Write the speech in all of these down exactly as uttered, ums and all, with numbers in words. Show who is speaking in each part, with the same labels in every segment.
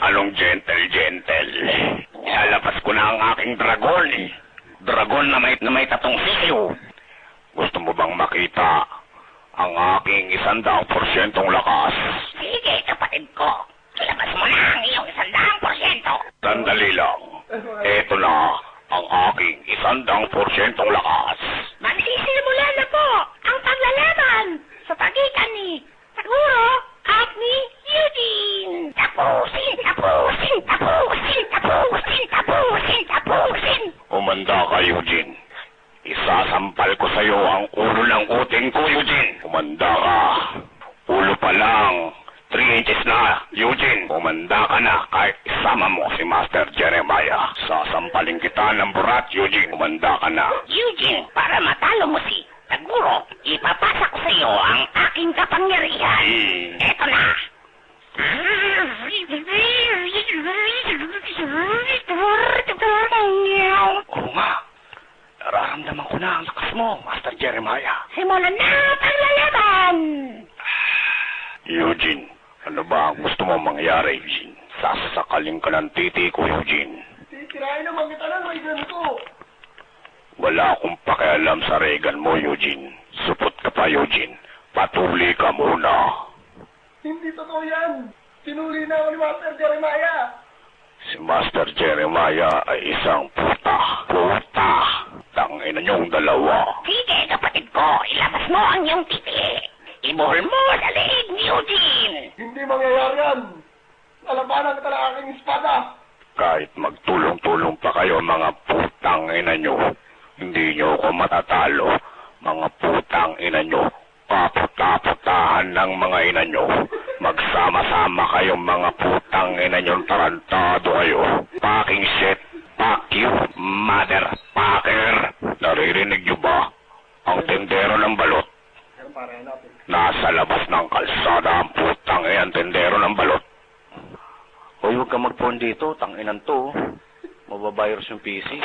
Speaker 1: Anong gentle-gentle? Ilalabas ko na ang aking dragon eh. Dragon na may, na may tatong sisiyo. Gusto mo bang makita ang aking isandaang porsyentong lakas?
Speaker 2: Sige, kapatid ko. Ilabas mo na ang iyong isandaang porsyento.
Speaker 1: Sandali lang. Ito na ang aking isandaang porsyentong lakas.
Speaker 2: Magsisimula na po ang paglalaban sa pagitan ni Taguro at ni Eugene. Tapusin, tapusin, tapusin, tapusin, tapusin, tapusin.
Speaker 1: Umanda ka, Eugene. Isasampal ko sa iyo ang ulo ng uting ko, Eugene. Umanda ka. Ulo pa lang. Three inches na, Eugene. Umanda ka na kahit isama mo si Master Jeremiah. Sasampalin kita ng burat, Eugene. Umanda ka na.
Speaker 2: Eugene, para matalo mo si Taguro, ipapasa ko sa iyo ang aking kapangyarihan.
Speaker 1: Hmm.
Speaker 2: Eto na.
Speaker 1: Oo nga. Nararamdaman ko na ang lakas mo, Master Jeremiah.
Speaker 2: Simulan na ang paglalaban.
Speaker 1: Eugene, ano ba ang gusto mo mangyari, Eugene? Sasakalin ka ng titi ko, Eugene.
Speaker 3: Titirahin naman kita ng Reagan ko.
Speaker 1: Wala akong pakialam sa Reagan mo, Eugene. Supot ka pa, Eugene. Patuli ka muna.
Speaker 3: Hindi totoo yan. Sinuli na ako ni Master Jeremiah.
Speaker 1: Si Master Jeremiah ay isang puta. Puta! Tangina niyong dalawa.
Speaker 2: Sige, kapatid ko, ilabas mo ang iyong titi. Ibuhol mo sa leeg ni Eugene.
Speaker 3: Hindi mangyayari yan. Lalabanan kita ng aking espada.
Speaker 1: Kahit magtulong-tulong pa kayo, mga putang ina nyo, hindi nyo ako matatalo. Mga putang ina nyo, paputa-putahan ng mga ina nyo. Magsama-sama kayong mga putang ina nyo, tarantado kayo. Packing shit, fuck you, motherfucker. Naririnig nyo ba? Ang tendero ng balot. Nasa labas ng kalsada ang putang iyan, tendero ng balot. Hoy, huwag ka mag-phone dito, tanginan to. Mababayros yung P C.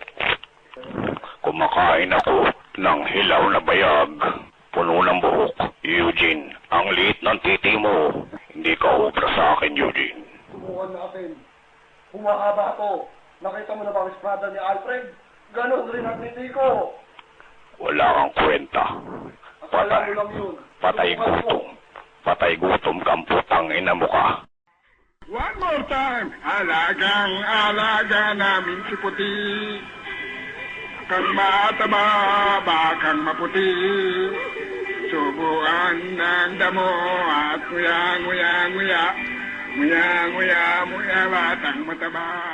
Speaker 1: Kumakain ako ng hilaw na bayag. Puno ng buhok. Eugene, ang liit ng titi mo. Hindi ka ubra sa akin, Eugene.
Speaker 3: Subukan natin. Humahaba ako. Nakita mo na ba ang espada ni Alfred? Ganon rin ang titi ko.
Speaker 1: Wala kang kwenta. Patay,
Speaker 3: Akala mo lang yun.
Speaker 1: patay
Speaker 3: Subukan mo.
Speaker 1: gutom. Patay gutom kang putang ina mo ka.
Speaker 4: One more time, alagang alaga namin si Puti. Kang mataba, bakang maputi. Subuan ng damo at nguya, nguya, nguya. Nguya, nguya, nguya, batang mataba.